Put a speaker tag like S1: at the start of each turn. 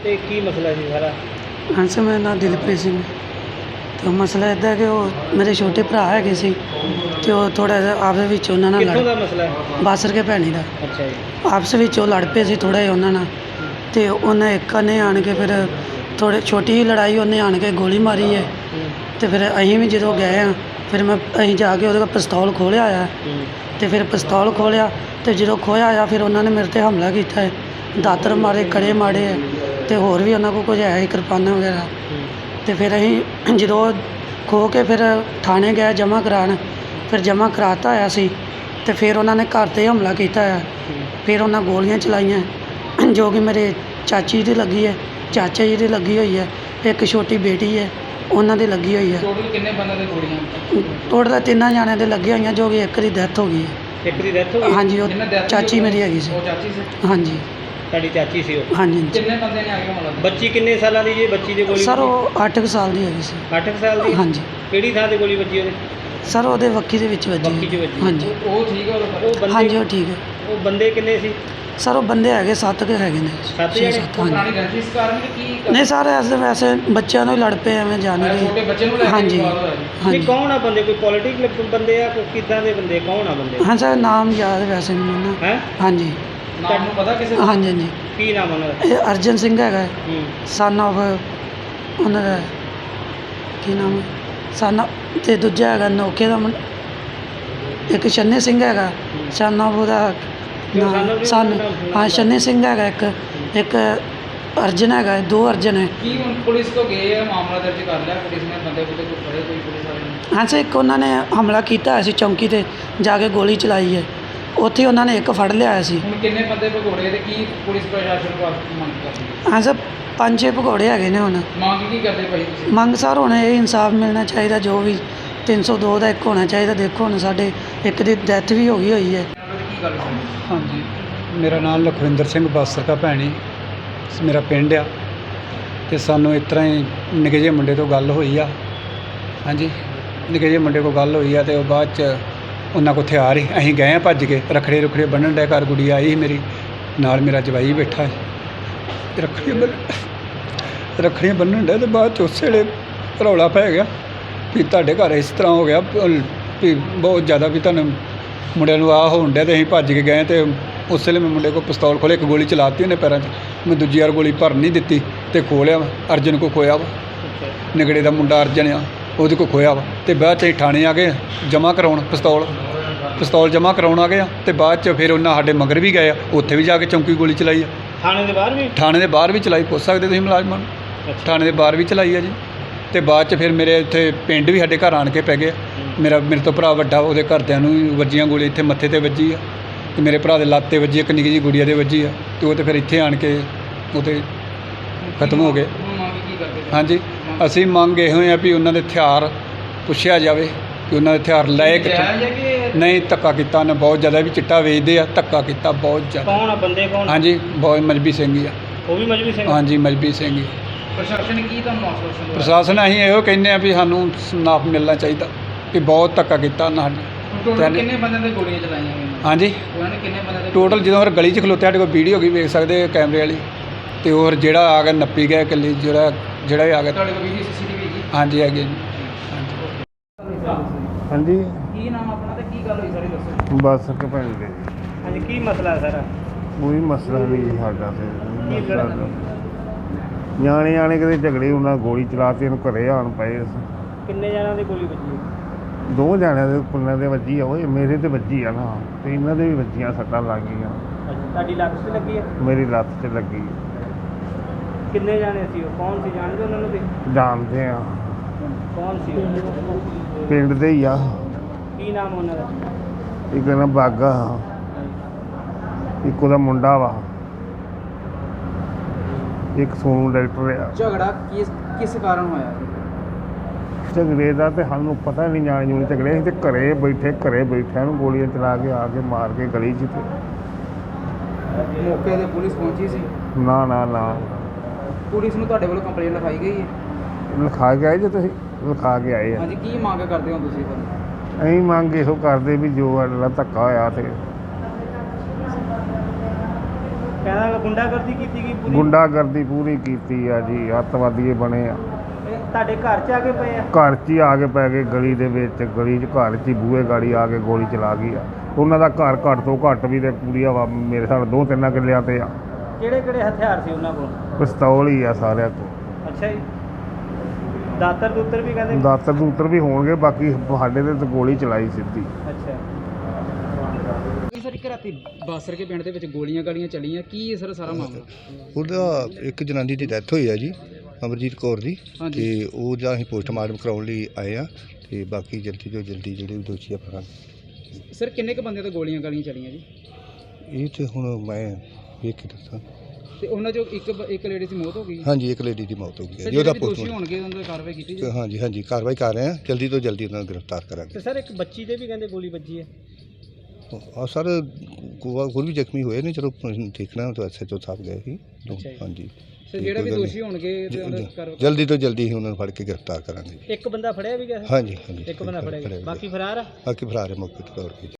S1: ਤੇ ਕੀ ਮਸਲਾ ਸੀ ਸਾਰਾ?
S2: हाँ सर, मेरा नाम दिलप्रीत सिंह है। तो ਮਸਲਾ ਇੱਦਾਂ ਕਿ ਉਹ ਮੇਰੇ ਛੋਟੇ ਭਰਾ ਹੈਗੇ ਸੀ ਅਤੇ ਉਹ ਥੋੜ੍ਹਾ ਜਿਹਾ ਆਪਸ ਵਿੱਚ ਉਹਨਾਂ ਨਾਲ
S1: ਕਿੱਥੋਂ ਦਾ ਮਸਲਾ ਹੈ?
S2: ਬਾਸਰ ਕੇ ਭੈਣੀ ਦਾ
S1: ਅੱਛਾ ਜੀ।
S2: ਆਪਸ ਵਿੱਚ ਉਹ ਲੜ ਪਏ ਸੀ ਥੋੜ੍ਹਾ ਜਿਹਾ ਉਹਨਾਂ ਨਾਲ, ਅਤੇ ਉਹਨੇ ਇੱਕ ਨੇ ਆਣ ਕੇ ਫਿਰ ਥੋੜ੍ਹੀ ਛੋਟੀ ਜਿਹੀ ਲੜਾਈ ਉਹਨੇ ਆਣ ਕੇ ਗੋਲੀ ਮਾਰੀ ਹੈ। ਅਤੇ ਫਿਰ ਅਸੀਂ ਵੀ ਜਦੋਂ ਗਏ ਹਾਂ ਫਿਰ ਅਸੀਂ ਜਾ ਕੇ ਉਹਦੇ ਕੋਲ ਪਿਸਤੌਲ ਖੋਲ੍ਹਿਆ ਆ, ਅਤੇ ਫਿਰ ਪਿਸਤੌਲ ਖੋਲ੍ਹਿਆ ਅਤੇ ਜਦੋਂ ਖੋਹਿਆ ਆ ਫਿਰ ਉਹਨਾਂ ਨੇ ਮੇਰੇ 'ਤੇ ਹਮਲਾ ਕੀਤਾ ਹੈ, ਦਾਤਰ ਮਾਰੇ, ਕੜੇ ਮਾਰੇ ਹੈ, ਅਤੇ ਹੋਰ ਵੀ ਉਹਨਾਂ ਕੋਲ ਕੁਝ ਹੈ ਸੀ, ਕਿਰਪਾਨਾਂ ਵਗੈਰਾ। ਅਤੇ ਫਿਰ ਅਸੀਂ ਜਦੋਂ ਖੋਹ ਕੇ ਫਿਰ ਥਾਣੇ ਗਏ ਜਮ੍ਹਾਂ ਕਰਾਉਣ, ਫਿਰ ਜਮ੍ਹਾਂ ਕਰਾਤਾ ਹੋਇਆ ਸੀ, ਅਤੇ ਫਿਰ ਉਹਨਾਂ ਨੇ ਘਰ 'ਤੇ ਹਮਲਾ ਕੀਤਾ ਹੈ। ਫਿਰ ਉਹਨਾਂ ਗੋਲੀਆਂ ਚਲਾਈਆਂ ਜੋ ਕਿ ਮੇਰੇ ਚਾਚੀ ਦੀ ਲੱਗੀ ਹੈ, ਚਾਚਾ ਜੀ ਦੀ ਲੱਗੀ ਹੋਈ ਹੈ, ਇੱਕ ਛੋਟੀ ਬੇਟੀ ਹੈ ਉਹਨਾਂ ਦੀ ਲੱਗੀ ਹੋਈ ਹੈ।
S1: ਟੋਟਲ ਕਿੰਨੇ ਬੰਦਿਆਂ ਦੇ ਗੋਲੀਆਂ?
S2: ਟੋਟਲ 3 ਜਣਿਆਂ ਦੇ ਲੱਗੀਆਂ ਹੋਈਆਂ, ਜੋ ਕਿ ਇੱਕ ਦੀ ਡੈਥ ਹੋ ਗਈ ਹੈ।
S1: ਇੱਕ ਦੀ ਡੈਥ ਹੋ ਗਈ?
S2: ਹਾਂਜੀ, ਉਹ ਚਾਚੀ ਮੇਰੀ ਹੈਗੀ ਸੀ।
S1: ਉਹ ਚਾਚੀ ਸੀ?
S2: ਹਾਂਜੀ
S1: ਤੁਹਾਡੀ ਚਾਚੀ ਸੀ ਉਹ?
S2: ਹਾਂਜੀ।
S1: ਕਿੰਨੇ ਬੰਦੇ ਨੇ ਆ ਕੇ ਹਮਲਾ? ਬੱਚੀ ਕਿੰਨੇ ਸਾਲਾਂ ਦੀ ਜੀ? ਬੱਚੀ ਦੀ ਗੋਲੀ
S2: ਸਰ ਉਹ 8 ਕੁ ਸਾਲ ਦੀ ਹੈਗੀ ਸੀ।
S1: 8 ਸਾਲ ਦੀ?
S2: ਹਾਂਜੀ
S1: ਕਿਹੜੀ ਥਾਂ ਤੇ ਗੋਲੀ ਵੱਜੀ ਉਹਦੇ?
S2: ਸਰ ਉਹਦੇ ਵੱਖੀ ਦੇ ਵਿੱਚ ਵੱਜੀ।
S1: ਬੱਕੀ 'ਚ ਵੱਜੀ?
S2: ਹਾਂਜੀ
S1: ਉਹ ਠੀਕ ਹੈ? ਉਹ ਬੰਦੇ?
S2: ਹਾਂਜੀ ਉਹ ਠੀਕ ਹੈ।
S1: ਉਹ ਬੰਦੇ ਕਿੰਨੇ ਸੀ?
S2: ਸਰ ਉਹ ਬੰਦੇ ਹੈਗੇ 7 ਕੁ ਹੈਗੇ ਨੇ।
S1: 7
S2: ਛੇ
S1: ਜਣੇ?
S2: ਸੱਤ, ਹਾਂਜੀ।
S1: ਪੁਰਾਣੀ ਰੰਜਿਸ਼ ਕਾਰਨ ਕਿ ਕੀ?
S2: ਨਹੀਂ ਸਰ ਐਸੇ ਵੈਸੇ ਬੱਚਿਆਂ ਨੂੰ ਹੀ ਲੜ ਪਏ ਐਵੇਂ ਜਾਣੇ
S1: ਛੋਟੇ ਬੱਚੇ ਨੂੰ ਲੈ ਕੇ
S2: ਹਾਂਜੀ
S1: ਵਿਵਾਦ ਹੋਇਆ?
S2: ਹਾਂਜੀ।
S1: ਨਹੀਂ, ਕੌਣ ਆ ਬੰਦੇ? ਕੋਈ ਪੋਲੀਟਿਕਲ ਬੰਦੇ ਆ? ਕੋਈ ਕਿੱਦਾਂ ਦੇ ਬੰਦੇ? ਕੌਣ ਆ ਬੰਦੇ?
S2: ਹਾਂ ਸਰ ਨਾਮ ਯਾਦ ਵੈਸੇ ਮੈਨੂੰ ਨਾ।
S1: ਹੈ?
S2: ਹਾਂਜੀ
S1: ਤੁਹਾਨੂੰ ਪਤਾ ਕਿਸੇ ਦਾ?
S2: ਹਾਂਜੀ ਹਾਂਜੀ।
S1: ਕੀ ਨਾਮ ਉਹਨਾਂ ਦਾ?
S2: ਇਹ ਅਰਜਨ ਸਿੰਘ ਹੈਗਾ,
S1: ਹੂੰ।
S2: ਸਨ ਆਫ ਉਹਨਾਂ ਦਾ ਕੀ ਨਾਮ ਹੈ, ਸਨ ਅਤੇ ਦੂਜਾ ਹੈਗਾ ਨੌਕੇ ਦਾ ਮੁੰਡਾ, ਇੱਕ ਛੰਨੇ ਸਿੰਘ ਹੈਗਾ, ਸਨ ਆਫ ਉਹਦਾ ਸਨ, ਹਾਂ ਛੰਨੇ ਸਿੰਘ ਹੈਗਾ ਇੱਕ ਅਰਜਨ ਹੈਗਾ, 2 ਅਰਜਨ ਹੈ।
S1: ਕੀ ਹੁਣ ਪੁਲਿਸ ਤੋਂ ਗਏ ਆ, ਮਾਮਲਾ ਦਰਜ ਕਰ ਲਿਆ ਪੁਲਿਸ ਨੇ? ਬੰਦੇ ਕੋਈ ਫੜੇ? ਕੋਈ ਪੁਲਿਸ ਵਾਲੇ ਨੇ?
S2: ਹਾਂ ਸਰ ਇੱਕ ਉਹਨਾਂ ਨੇ ਹਮਲਾ ਕੀਤਾ ਹੋਇਆ ਸੀ ਚੌਂਕੀ 'ਤੇ ਜਾ ਕੇ ਗੋਲੀ ਚਲਾਈ ਹੈ, ਉੱਥੇ ਉਹਨਾਂ ਨੇ ਇੱਕ ਫੜ ਲਿਆ ਸੀ।
S1: ਹੁਣ ਕਿੰਨੇ ਬੰਦੇ ਭਗੌੜੇ ਤੇ ਕੀ ਪੁਲਿਸ ਪ੍ਰਸ਼ਾਸਨ ਕੋਲ ਮੰਗ ਕਰਦੇ?
S2: ਹਾਂ ਸਰ 5-6 ਭਗੌੜੇ ਹੈਗੇ ਨੇ। ਹੁਣ
S1: ਮੰਗ ਕੀ ਕਰਦੇ ਭਾਈ ਤੁਸੀਂ?
S2: ਮੰਗ ਸਰ ਹੁਣ ਇਹ ਇਨਸਾਫ ਮਿਲਣਾ ਚਾਹੀਦਾ, ਜੋ ਵੀ 302 ਦਾ ਇੱਕ ਹੋਣਾ ਚਾਹੀਦਾ। ਦੇਖੋ ਹੁਣ ਸਾਡੇ ਇੱਕ ਦੀ ਡੈਥ ਵੀ ਹੋ ਗਈ ਹੈ।
S1: ਕੀ ਗੱਲ ਸੀ?
S3: ਹਾਂਜੀ, ਮੇਰਾ ਨਾਮ ਲਖਵਿੰਦਰ ਸਿੰਘ ਬਾਸਰ ਕਾ ਭੈਣੀ ਮੇਰਾ ਪਿੰਡ ਆ, ਅਤੇ ਸਾਨੂੰ ਇਸ ਤਰ੍ਹਾਂ ਹੀ ਨਿੱਕੇ ਜਿਹੇ ਮੁੰਡੇ ਤੋਂ ਗੱਲ ਹੋਈ ਆ। ਹਾਂਜੀ, ਨਿੱਕੇ ਜਿਹੇ ਮੁੰਡੇ ਕੋਲ ਗੱਲ ਹੋਈ ਆ, ਅਤੇ ਉਹ ਬਾਅਦ 'ਚ ਉਹਨਾਂ ਕੋਲ ਹਥਿਆਰ ਹੀ, ਅਸੀਂ ਗਏ ਹਾਂ ਭੱਜ ਕੇ, ਰੱਖੜੇ ਬੰਨ੍ਹਣ ਡਿਆ, ਘਰ ਗੁੜੀ ਆਈ ਸੀ ਮੇਰੀ ਨਾਲ, ਮੇਰਾ ਜਵਾਈ ਬੈਠਾ ਸੀ, ਰੱਖੜੀਆਂ ਬੰਨ੍ਹਣ ਡਿਆ, ਅਤੇ ਬਾਅਦ 'ਚ ਉਸੇ ਵੇਲੇ ਰੌਲਾ ਪੈ ਗਿਆ ਵੀ ਤੁਹਾਡੇ ਘਰ ਇਸ ਤਰ੍ਹਾਂ ਹੋ ਗਿਆ ਵੀ ਬਹੁਤ ਜ਼ਿਆਦਾ ਵੀ ਤੁਹਾਨੂੰ ਮੁੰਡਿਆਂ ਨੂੰ ਆਹ ਹੋਣ ਡਿਆ, ਅਤੇ ਅਸੀਂ ਭੱਜ ਕੇ ਗਏ, ਅਤੇ ਉਸ ਵੇਲੇ ਮੈਂ ਮੁੰਡੇ ਕੋਲ ਪਿਸਤੌਲ ਖੋਲ੍ਹਿਆ, ਇੱਕ ਗੋਲੀ ਚਲਾਤੀ ਉਹਨੇ ਪੈਰਾਂ 'ਚ, ਮੈਂ ਦੂਜੀ ਵਾਰ ਗੋਲੀ ਭਰ ਨਹੀਂ ਦਿੱਤੀ ਅਤੇ ਖੋਲ੍ਹਿਆ ਵਾ। ਅਰਜਨ ਕੋ ਖੋਇਆ ਵਾ, ਨਿਗੜੇ ਦਾ ਮੁੰਡਾ ਅਰਜਨ ਆ, ਉਹਦੇ ਕੋਲ ਖੋਇਆ ਵਾ, ਅਤੇ ਬਾਅਦ 'ਚ ਅਸੀਂ ਥਾਣੇ ਆ ਗਏ ਜਮ੍ਹਾਂ ਕਰਾਉਣ, ਪਿਸਤੌਲ ਜਮ੍ਹਾਂ ਕਰਾਉਣ ਆ ਗਏ ਆ, ਅਤੇ ਬਾਅਦ 'ਚ ਫਿਰ ਉਹਨਾਂ ਸਾਡੇ ਮਗਰ ਵੀ ਗਏ ਆ, ਉੱਥੇ ਵੀ ਜਾ ਕੇ ਚੌਂਕੀ ਗੋਲੀ ਚਲਾਈ ਆ।
S1: ਥਾਣੇ ਦੇ ਬਾਹਰ ਵੀ?
S3: ਥਾਣੇ ਦੇ ਬਾਹਰ ਵੀ ਚਲਾਈ, ਪੁੱਛ ਸਕਦੇ ਤੁਸੀਂ ਮੁਲਾਜ਼ਮਾਂ ਨੂੰ, ਥਾਣੇ ਦੇ ਬਾਹਰ ਵੀ ਚਲਾਈ ਆ ਜੀ। ਅਤੇ ਬਾਅਦ 'ਚ ਫਿਰ ਮੇਰੇ ਇੱਥੇ ਪਿੰਡ ਵੀ ਸਾਡੇ ਘਰ ਆਣ ਕੇ ਪੈ ਗਏ। ਮੇਰੇ ਤੋਂ ਭਰਾ ਵੱਡਾ, ਉਹਦੇ ਘਰਦਿਆਂ ਨੂੰ ਵੀ ਵੱਜੀਆਂ ਗੋਲੀ, ਇੱਥੇ ਮੱਥੇ 'ਤੇ ਵੱਜੀ ਆ, ਅਤੇ ਮੇਰੇ ਭਰਾ ਦੇ ਲੱਤ 'ਤੇ ਵੱਜੀ, ਇੱਕ ਨਿੱਕੀ ਜਿਹੀ ਗੁੜੀਆ ਦੇ ਵੱਜੀ ਆ, ਅਤੇ ਉਹ ਤਾਂ ਫਿਰ ਇੱਥੇ ਆਣ ਕੇ ਉਹ 'ਤੇ ਖਤਮ ਹੋ ਗਏ। ਹਾਂਜੀ, ਅਸੀਂ ਮੰਗ ਇਹੋ ਆ ਵੀ ਉਹਨਾਂ ਦੇ ਹਥਿਆਰ ਪੁੱਛਿਆ ਜਾਵੇ ਕਿ ਉਹਨਾਂ ਦੇ ਹਥਿਆਰ ਲਏ ਕਿੱਥੋਂ। ਨਹੀਂ, ਧੱਕਾ ਕੀਤਾ ਉਹਨੇ ਬਹੁਤ ਜ਼ਿਆਦਾ, ਵੀ ਚਿੱਟਾ ਵੇਚਦੇ ਆ, ਧੱਕਾ ਕੀਤਾ ਬਹੁਤ ਜ਼ਿਆਦਾ।
S1: ਕੌਣ ਆ ਬੰਦੇ? ਕੌਣ?
S3: ਹਾਂਜੀ, ਬਹੁਤ ਮਜਬੀ ਸਿੰਘ ਹੀ ਆ।
S1: ਉਹ ਵੀ ਮਜਬੀ ਸਿੰਘ?
S3: ਹਾਂਜੀ, ਮਜਬੀ ਸਿੰਘ ਹੀ।
S1: ਪ੍ਰਸ਼ਾਸਨ ਕੀ ਤੁਹਾਨੂੰ ਆਸ਼ਵਾਸਨ ਦਿੰਦਾ?
S3: ਪ੍ਰਸ਼ਾਸਨ ਅਸੀਂ ਇਹੋ ਕਹਿੰਦੇ ਆ ਵੀ ਸਾਨੂੰ ਇਨਸਾਫ ਮਿਲਣਾ ਚਾਹੀਦਾ, ਕਿ ਬਹੁਤ ਧੱਕਾ ਕੀਤਾ ਉਹਨਾਂ ਨੇ।
S1: ਟੋਟਲ ਕਿੰਨੇ ਬੰਦਿਆਂ ਦੇ ਗੋਲੀਆਂ ਚਲਾਈਆਂ ਗਈਆਂ?
S3: ਹਾਂਜੀ,
S1: ਉਹਨਾਂ ਨੇ ਕਿੰਨੇ ਬੰਦਿਆਂ ਦੇ?
S3: ਟੋਟਲ ਜਦੋਂ ਫਿਰ ਗਲੀ 'ਚ ਖਲੋਤੇ, ਸਾਡੇ ਕੋਲ ਵੀਡੀਓ ਵੀ ਵੇਖ ਸਕਦੇ ਕੈਮਰੇ ਵਾਲੀ, ਅਤੇ ਹੋਰ ਜਿਹੜਾ ਆ ਗਿਆ ਨੱਪੀ ਗਿਆ ਇਕੱਲੀ, ਜਿਹੜਾ ਹੀ ਆ ਗਿਆ।
S1: ਤੁਹਾਡੇ ਕੋਲ ਵੀਡੀਓ CCTV ਹੈਗੀ?
S3: ਹਾਂਜੀ ਹੈਗੇ ਜੀ।
S4: ਹਾਂਜੀ,
S1: ਕੀ ਨਾਮ ਆਪਣਾ ਤੇ ਕੀ ਗੱਲ ਹੋਈ ਸਾਰੀ ਦੱਸੋ?
S4: ਬੱਸ ਕੇ ਭੈਣ ਦੇ
S1: ਹਾਂਜੀ, ਕੀ ਮਸਲਾ ਹੈ ਸਾਰਾ?
S4: ਕੋਈ ਮਸਲਾ ਨਹੀਂ ਸਾਡਾ ਤੇ ਨਿਆਣੇ ਕਿਤੇ ਝਗੜੇ, ਉਹਨਾਂ ਗੋਲੀ ਚਲਾਤੀ, ਇਹਨੂੰ ਘਰੇ ਆਣ ਪਏ।
S1: ਕਿੰਨੇ ਜਣਾਂ ਦੀ ਗੋਲੀ ਵੱਜੀ?
S4: 2 ਜਣਿਆਂ ਦੇ ਕੁੱਲਾਂ ਦੇ ਵੱਜੀ ਆ, ਓਏ ਮੇਰੇ ਤੇ ਵੱਜੀ ਆ ਨਾ, ਤੇ ਇਹਨਾਂ ਦੇ ਵੀ ਵੱਜੀਆਂ, ਸੱਟਾਂ ਲੱਗ ਗਈਆਂ।
S1: ਤੁਹਾਡੀ ਲੱਤ 'ਤੇ ਲੱਗੀ ਹੈ?
S4: ਮੇਰੀ ਲੱਤ 'ਚ ਲੱਗੀ।
S1: ਕਿੰਨੇ ਜਾਣੇ ਸੀ ਉਹ? ਕੌਣ ਸੀ? ਜਾਣਦੇ ਉਹਨਾਂ ਨੂੰ? ਵੀ
S4: ਜਾਣਦੇ ਆ,
S1: ਕੌਣ ਸੀ ਉਹ?
S4: ਪਿੰਡ ਦੇ ਹੀ ਆ।
S1: ਕੀ ਨਾਮ ਉਹਨਾਂ ਦਾ?
S4: ਇੱਕ ਨਾ ਬਾਗਾ, ਇੱਕ ਉਹਦਾ ਮੁੰਡਾ ਵਾ, ਇੱਕ ਸੋਨੂ ਡਾਕਟਰ ਆ।
S1: ਝਗੜਾ ਕਿਸ ਕਾਰਨ ਹੋਇਆ?
S4: ਝਗੜੇ ਦਾ ਤੇ ਸਾਨੂੰ ਪਤਾ ਨਹੀਂ, ਜਾਣ ਝਗੜੇ ਅਸੀਂ ਤੇ ਘਰੇ ਬੈਠਿਆਂ ਨੂੰ ਗੋਲੀਆਂ ਚਲਾ ਕੇ ਆ ਕੇ ਮਾਰ ਕੇ ਗਲੀ 'ਚ।
S1: ਮੌਕੇ 'ਤੇ ਪੁਲਿਸ ਪਹੁੰਚੀ ਸੀ?
S4: ਨਾ
S1: ਪੁਲਿਸ ਨੂੰ ਤੁਹਾਡੇ ਵੱਲੋਂ ਕੰਪਲੇਂਟ ਲਿਖਾਈ ਗਈ ਹੈ?
S4: ਲਿਖਾ ਕੇ ਆਏ ਜੇ ਤੁਸੀਂ? ਲਿਖਾ ਕੇ ਆਏ ਆ।
S1: ਹਾਂਜੀ, ਕੀ ਮੰਗ ਕਰਦੇ ਹੋ ਤੁਸੀਂ ਫਿਰ?
S4: ਅਸੀਂ ਮੰਗ ਇਹੋ ਕਰਦੇ ਵੀ ਜੋ ਸਾਡਾ ਧੱਕਾ ਹੋਇਆ ਤੇ
S5: ਕਹਿੰਦਾ ਗੁੰਡਾਗਰਦੀ ਕੀਤੀ ਗਈ ਪੂਰੀ।
S4: ਗੁੰਡਾਗਰਦੀ ਪੂਰੀ ਕੀਤੀ ਆ ਜੀ, ਅੱਤਵਾਦੀ ਬਣੇ ਆ।
S5: ਇਹ ਤੁਹਾਡੇ ਘਰ 'ਚ ਆ ਕੇ ਪਏ ਆ?
S4: ਘਰ 'ਚ ਹੀ ਆ ਕੇ ਪੈ ਗਏ, ਗਲੀ ਦੇ ਵਿੱਚ, ਗਲੀ 'ਚ ਘਰ 'ਚ ਹੀ ਬੂਹੇ ਗਾੜੀ ਆ ਕੇ ਗੋਲੀ ਚਲਾ ਗਈ ਆ। ਉਹਨਾਂ ਦਾ ਘਰ ਘੱਟ ਤੋਂ ਘੱਟ ਵੀ ਤੇ ਪੂਰੀ ਹਵਾ ਮੇਰੇ ਸਾਲ 2-3 ਕਿੱਲਿਆਂ ਤੇ ਆ।
S5: ਕਿਹੜੇ ਕਿਹੜੇ ਹਥਿਆਰ ਸੀ ਉਹਨਾਂ ਕੋਲ?
S4: ਪਿਸਤੌਲ ਹੀ ਆ ਸਾਰਿਆਂ ਕੋਲ।
S5: ਅੱਛਾ ਜੀ। ਦਾਤਰ ਦੂਤਰ ਵੀ ਕਹਿੰਦੇ?
S4: ਦਾਤਰ ਦੂਤਰ ਵੀ ਹੋਣਗੇ, ਬਾਕੀ ਸਾਡੇ ਤੇ ਤਾਂ ਗੋਲੀ ਚਲਾਈ ਸਿੱਧੀ।
S5: ਅੱਛਾ।
S1: ਸਰ ਇੱਕ ਰਾਤੀ ਬਾਸਰ ਕੇ ਪਿੰਡ ਦੇ ਵਿੱਚ ਗੋਲੀਆਂ ਗਾਲੀਆਂ ਚੱਲੀਆਂ, ਕੀ ਹੈ ਸਰ ਸਾਰਾ ਮਾਮਲਾ?
S6: ਉਹਦਾ ਇੱਕ ਜਨਾਨੀ ਦੀ ਡੈਥ ਹੋਈ ਹੈ ਜੀ, ਅਮਰਜੀਤ ਕੌਰ ਦੀ,
S1: ਹਾਂਜੀ।
S6: ਤੇ ਉਹ ਜਾਂ ਅਸੀਂ ਪੋਸਟਮਾਰਟਮ ਕਰਾਉਣ ਲਈ ਆਏ ਆ, ਤੇ ਬਾਕੀ ਜਲਦੀ ਤੋਂ ਜਲਦੀ ਜਿਹੜੇ ਵੀ ਦੋਸ਼ੀ ਆ ਫੜਾਂਗੇ।
S1: ਸਰ ਕਿੰਨੇ ਕ ਬੰਦਿਆਂ ਤੋਂ ਗੋਲੀਆਂ ਗਾਲੀਆਂ ਚੱਲੀਆਂ ਜੀ?
S6: ਇਹ ਤੇ ਹੁਣ ਮੈਂ ਵੇਖ ਕੇ ਦੱਸਾਂ।
S1: ਤੇ ਉਹਨਾਂ ਚੋਂ ਇੱਕ ਲੇਡੀ ਦੀ ਮੌਤ ਹੋ ਗਈ?
S6: ਹਾਂਜੀ, ਇੱਕ ਲੇਡੀ ਦੀ ਮੌਤ ਹੋ ਗਈ ਹੈ
S1: ਸਰ
S6: ਜੀ, ਉਹਦਾ
S1: ਜਿਹੜੇ ਦੋਸ਼ੀ
S6: ਪੋਸਟਮਾਰਟਮ।
S1: ਹੋਣਗੇ ਉਹਨਾਂ ਦੀ ਕਾਰਵਾਈ ਕੀਤੀ ਜੀ?
S6: ਹਾਂਜੀ ਹਾਂਜੀ, ਕਾਰਵਾਈ ਕਰ ਰਹੇ ਆ, ਜਲਦੀ ਤੋਂ ਜਲਦੀ ਉਹਨਾਂ ਨੂੰ ਗ੍ਰਿਫਤਾਰ ਕਰਾਂਗੇ।
S5: ਤੇ ਸਰ ਇੱਕ ਬੱਚੀ ਦੇ ਵੀ ਕਹਿੰਦੇ ਗੋਲੀ ਵੱਜੀ ਹੈ?
S6: ਆ ਸਰ, ਹੋਰ ਵੀ ਜ਼ਖਮੀ ਹੋਏ ਨੇ, ਚਲੋ ਦੇਖਣਾ ਤਾਂ SHO ਸਾਹਿਬ ਗਏ ਸੀ।
S5: ਅੱਛਾ ਜੀ।
S6: ਹਾਂਜੀ,
S1: ਸਰ ਜਿਹੜਾ ਵੀ ਦੋਸ਼ੀ ਹੋਣਗੇ ਤੇ ਉਹਨਾਂ ਦੀ ਕਾਰਵਾਈ
S6: ਜਲਦੀ ਤੋਂ ਜਲਦੀ ਹੀ ਉਹਨਾਂ ਨੂੰ ਫੜ ਕੇ ਗ੍ਰਿਫਤਾਰ ਕਰਾਂਗੇ।
S5: ਇੱਕ ਬੰਦਾ ਫੜਿਆ ਵੀ ਗਿਆ?
S6: ਹਾਂਜੀ ਹਾਂਜੀ,
S5: ਇੱਕ ਬੰਦਾ ਫੜਿਆ ਗਿਆ, ਬਾਕੀ ਫਰਾਰ ਆ?
S6: ਬਾਕੀ ਫਰਾਰ ਹੈ ਮੌਕੇ ਤੇ ਤੌਰ 'ਤੇ।